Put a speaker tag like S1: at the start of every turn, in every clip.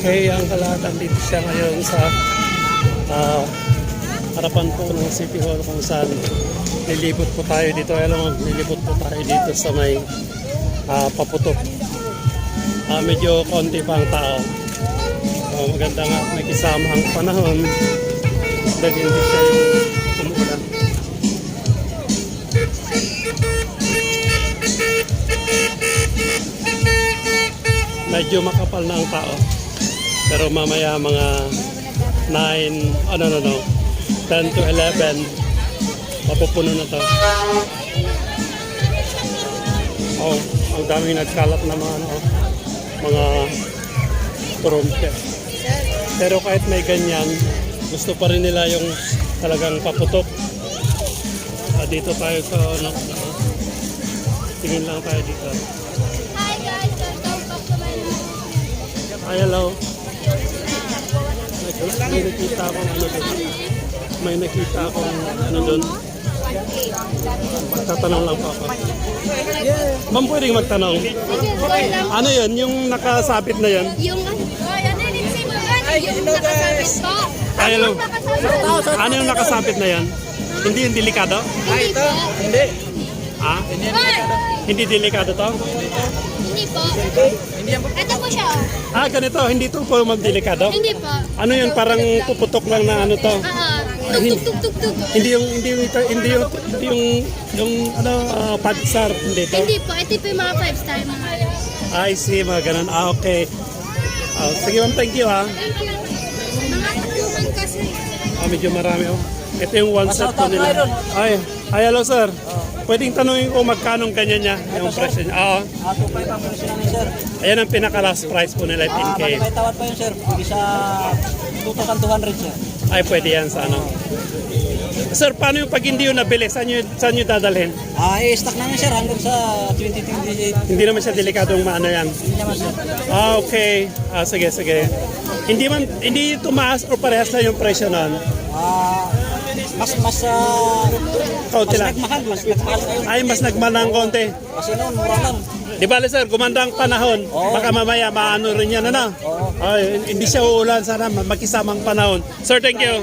S1: Okay, ang kalahatan dito siya ngayon sa harapan po ng City Hall kung saan nilibot po tayo dito. Alam mo, nilibot po tayo dito sa may paputok. Medyo konti pa ang tao. Maganda nga at may kisama ang panahon dahil hindi siya yung umuulan. Medyo makapal na ang tao. Pero mamaya mga 10 to 11 mapupuno na to. Oh, ang daming nagkalat na mga turumpe. Pero kahit may ganyan, gusto pa rin nila yung talagang paputok. Dito tayo sa tingin lang tayo dito.
S2: Hi guys, welcome back to my channel.
S1: Hi, hello. May nakita akong ano doon. May nakita akong ano doon. Magtatanong lang po ako. Ma'am, pwedeng magtanong. Ano yun? Yung nakasabit na yun?
S2: Yung nakasabit po.
S1: Ay, hello. Ano yung nakasabit na yan? Hindi yung delikado?
S2: Hindi po.
S3: Hindi.
S1: Ah? Hindi delikado to?
S2: Hindi po. Ito po siya.
S1: Ah, ganito. Hindi to po magdelikado?
S2: Hindi po.
S1: Ano yun? Parang puputok lang na ano to?
S2: Tug.
S1: Hindi yung padsar, hindi to?
S2: Hindi po. Ito po yung mga 5-star mga.
S1: I see, mga ganun. Ah, okay. Sige ma'am, thank you ha.
S2: Mga tapuman kasi.
S1: Medyo marami oh. Ito yung one set po nila. Ay, hello sir. Pwedeng tanungin ko magkano ganyan niya, yung presyo niya. Oo.
S3: 2.5 ang presyo namin, sir.
S1: Ayan ang pinaka-last price po nila, 10K.
S3: May tawad pa yun, sir. Hindi sa 2,200, sir.
S1: Ay, pwede yan sa ano. Sir, paano yung pag hindi yung nabili? Saan nyo dadalhin?
S3: I-stock namin, sir, hanggang sa 2028.
S1: Hindi naman siya delikadong maano yan.
S3: Hindi naman, sir.
S1: Okay. Sige. Hindi tumaas o parehas na yung presyo nun?
S3: Mas
S1: Kaunti lang.
S3: nagmahal kayo.
S1: Ay, mas nagmahal ng konti.
S3: Kasi noon, mura lang.
S1: Di ba, sir, gumanda ang panahon. Baka mamaya maano rin yan, ano? Ay, hindi siya uulan. Sana magkisamang panahon. Sir, thank you.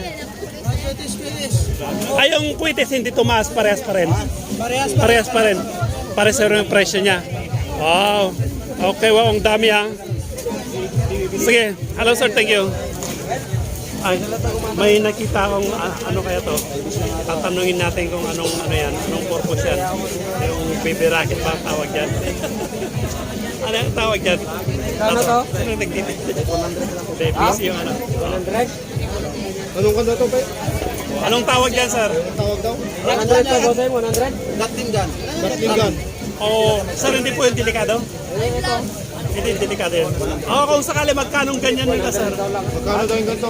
S1: Ay, yung kwitis hindi tumaas. Parehas pa rin. Parehas pa rin. Parehas rin yung presyo niya. Wow. Okay, wow. Ang dami, ha? Sige. Hello, sir. Thank you. Ay, may nakita akong ano kaya to. Tatanungin natin kung anong purpose yan. Yung baby racket ba ang tawag dyan? Ano ang tawag dyan?
S3: Ano to?
S1: Anong nagtitin? 100 lang. PC yung ano.
S3: 100? Anong kanda to, Bay?
S1: Anong tawag dyan, sir?
S3: Tawag daw? 100 to, Bossay, 100? Gatling gun.
S1: Oo. Sir, hindi po yung delikado? Hindi delikado yun. Kung sakali magkanong ganyan nila, sir?
S3: Magkano daw yung ganito?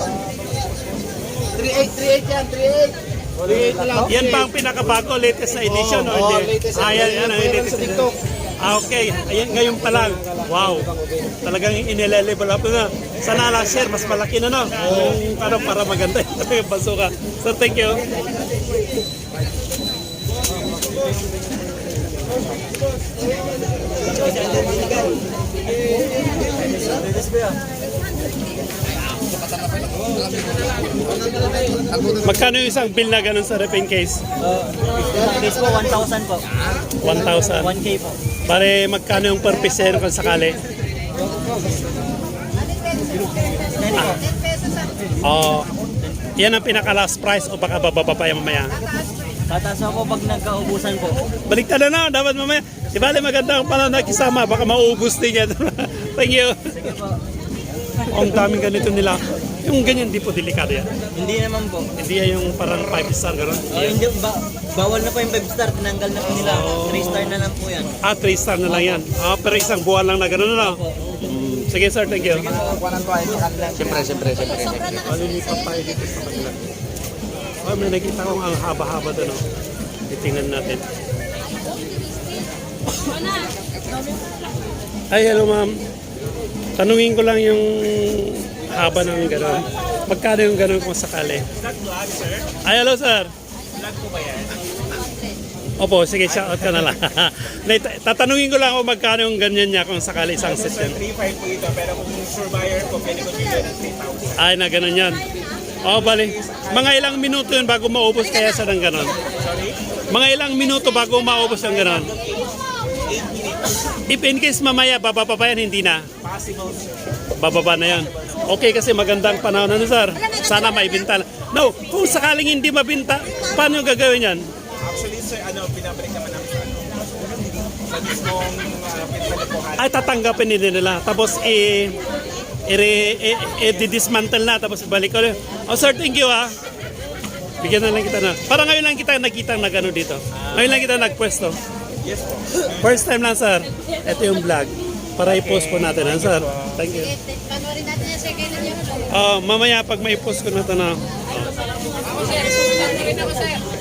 S3: 3.8 yan, 3.8 na lang.
S1: Yan ba ang pinakabago, latest na edition? O hindi?
S3: Latest.
S1: Yan ang latest
S3: sa TikTok.
S1: Okay. Ayan, ngayon pa lang. Wow. Talagang inilelevel up na. Sana last year, mas malaki na, no? Para maganda yung basuka. Sir, thank you. Magkano yung isang bill na ganun sa repaint case?
S3: Case po, 1,000 po.
S1: 1,000.
S3: 1K po.
S1: Pare, magkano yung per piece kung sakali? Yan ang pinaka-last price o baka bababa pa yung mamaya?
S3: Tataas ako pag nagkaubusan po.
S1: Baliktad na, dapat mamaya. Di ba, maganda ang pala nakisama, baka mauubos din yan. Thank you.
S3: Sige po.
S1: Ang daming ganito nila. Yung ganyan, di po delikado yan.
S3: Hindi naman po.
S1: Hindi yan yung parang 5-star gano'n.
S3: Hindi, bawal na po yung 5-star. Tinanggal na po nila. 3-star na lang po yan.
S1: 3-star na lang yan. Pero isang buwan lang na gano'n na. Sige sir, thank you.
S3: Siyempre.
S1: Malilipat tayo dito sa kanila. May nakita kong ang haba-haba doon. Titingnan natin. Ay, hello ma'am. Tanungin ko lang yung haba ng gano'n. Magkano yung gano'n kung sakali? Ay, hello sir.
S3: Vlog po ba yan?
S1: Opo, sige, shoutout ka na lang. Tatanungin ko lang kung magkano yung ganyan niya kung sakali isang set yan.
S4: 3.5 po ito, pero kung sure buyer po, pwede ko bigyan ng 3,000.
S1: Ay, na ganun yan. Oh, bali. Mga ilang minuto yun bago maubos kaya sa ng ganon?
S4: Sorry?
S1: Mga ilang minuto bago maubos yung ganon?
S4: 8 minutes.
S1: If in case mamaya, bababa pa yan, hindi na.
S4: Possible, sir.
S1: Bababa na yan. Okay, kasi magandang panahon na sir. Sana maibinta. No, kung sakaling hindi mabinta, paano yung gagawin yan?
S4: Actually, sir, pinabalik naman namin sa sa mismong pinagpuhan.
S1: Ay, tatanggapin nila. Tapos, i-dismantle na. Tapos, balik ko. Oh, sir, thank you, ah. Bigyan na lang kita na. Para ngayon lang kita nakita na gano'n dito. Ngayon lang kita nagpwesto.
S4: Yes po.
S1: First time lang, sir. Ito yung vlog. Para i-post po natin, ah, sir. Thank you.
S2: Panoorin natin yung second niya.
S1: Mamaya, pag may post ko na ito na.
S2: Sir, sulat na rin ako, sir.